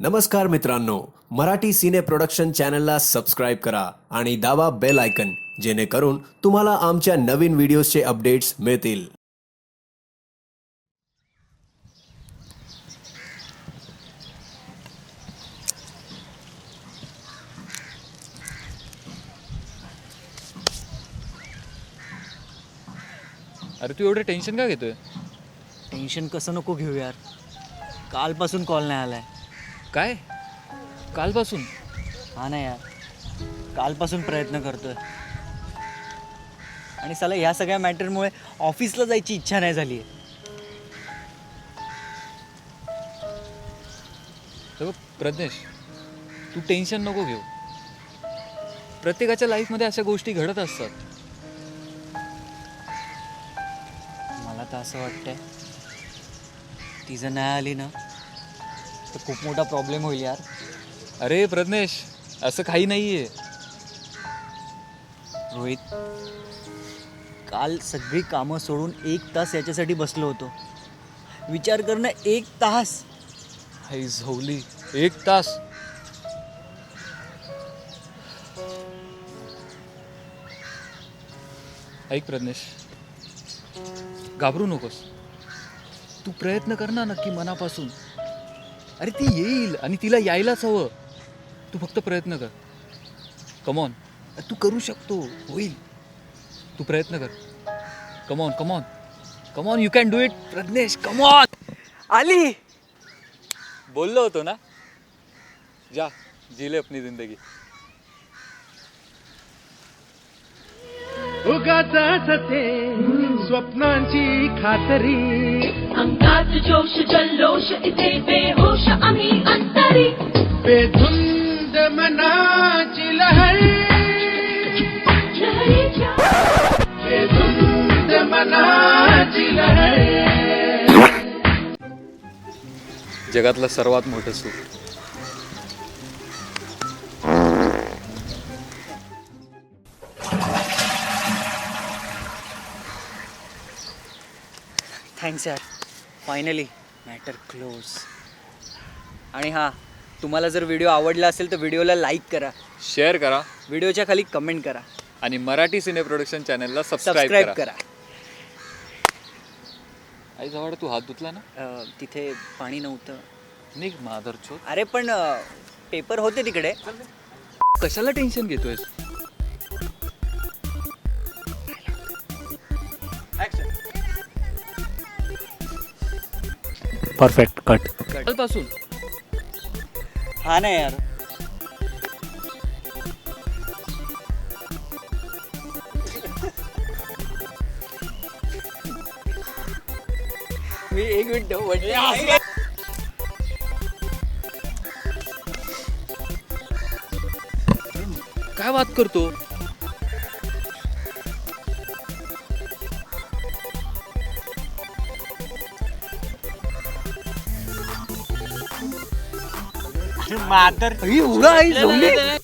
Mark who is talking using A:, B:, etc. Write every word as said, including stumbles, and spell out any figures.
A: नमस्कार मित्रांनो, Marathi cine production चॅनलला सबस्क्राईब करा आणि दाबा बेल आयकन, जेणेकरून तुम्हाला आमच्या नवीन व्हिडिओजचे अपडेट्स मिळतील.
B: अरे तू एवढं टेन्शन का घेतोय?
C: टेन्शन कसं नको घेऊ यार. कालपासून कॉल नाही आलाय.
B: काय कालपासून?
C: हा ना यार, कालपासून प्रयत्न करतोय आणि साला ह्या सगळ्या मॅटरमुळे ऑफिसला जायची इच्छा नाही झाली आहे.
B: तर बघ प्रज्ञेश, तू टेन्शन नको घेऊ. प्रत्येकाच्या लाईफमध्ये अशा गोष्टी घडत असतात.
C: मला तर असं वाटतंय ती जर नाही आली ना तर खूप मोठा प्रॉब्लेम होईल यार.
B: अरे प्रज्ञेश, असं काही नाहीये.
C: रोहित, काल सगळी कामं सोडून एक तास याच्यासाठी बसलो होतो. विचार करणं, एक तास.
B: हाय झोवली, एक तास. ऐक प्रज्ञेश, घाबरू नकोस. तू प्रयत्न कर ना नक्की मनापासून. अरे ती येईल आणि तिला यायलाच हवं. तू फक्त प्रयत्न कर. कमॉन, तू करू शकतो, होईल. तू प्रयत्न कर. Come on come on come on, you can do it Pradnyesh, come on.
C: आली.
B: बोललो होतो ना, जा जीले अपनी जिंदगी.
D: उगाच असते स्वप्नांची खातरी,
E: अंगात जोश जल्लोष इथे बेहोश आम्ही अंतरी,
D: बेधुंद मनाची लहर,
E: लहरीच्या
D: बेधुंद मनाची लहर.
B: जगातलं सर्वात मोठं सुख.
C: थँक्स यार, फायनली मॅटर क्लोज. आणि हां, तुम्हाला जर व्हिडिओ आवडला असेल तर व्हिडिओला लाईक करा,
B: शेअर करा
C: व्हिडिओच्या खाली कमेंट करा,
B: आणि मराठी सिने प्रोडक्शन चॅनलला सबस्क्राईब
C: सबस्क्राईब
B: करा.
C: करा.
B: आई जवळ तू हात धुतला ना?
C: अं, तिथे पाणी नव्हतं.
B: निघ माधरचो.
C: अरे पण पेपर होते तिकडे.
B: कशाला टेन्शन घेतोयस?
D: Perfect cut.
B: कालपासून
C: हा ना यार. मी एक मिनिट म्हटलं.
B: काय बात करतो?
C: मातर एवढं आई झोपली.